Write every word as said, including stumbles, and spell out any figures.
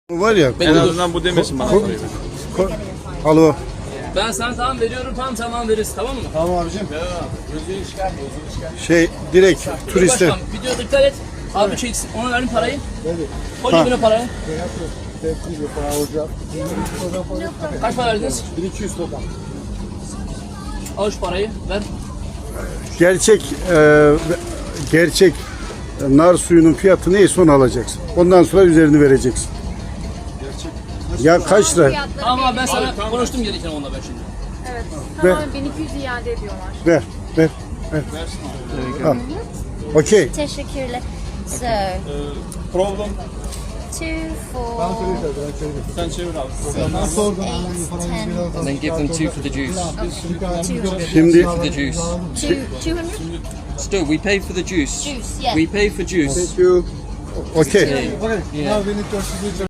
Var ya. En azından bu demesin bana. Ko- ko- Alo. Ben sana tamam veriyorum, tam zaman veririz, tamam mı? Tamam abicim. Şey direkt turiste. Başkan, videoda iptal et. Abi çeksin, ona verin parayı. Koy cebine parayı. Kaç para verdiniz? bin iki yüz dolar. Al şu parayı, ver. Gerçek e, gerçek nar suyunun fiyatı neyse onu alacaksın. Ondan sonra üzerini vereceksin. Ya kaç lira? Tamam abi ben sana konuştum gereken onunla ben şimdi. Evet. Ver. Tamam bin iki yüz iade ediyorlar. Ver, ver, ver. Al. Okey. Teşekkürler. So, Problem. two, four, Sen çevir abi. six, eight, ten, And then give them two for the juice. two, Şimdi For the juice. two, two hundred Still, we pay for the juice. juice. Yeah. We pay for juice. okey. Yeah.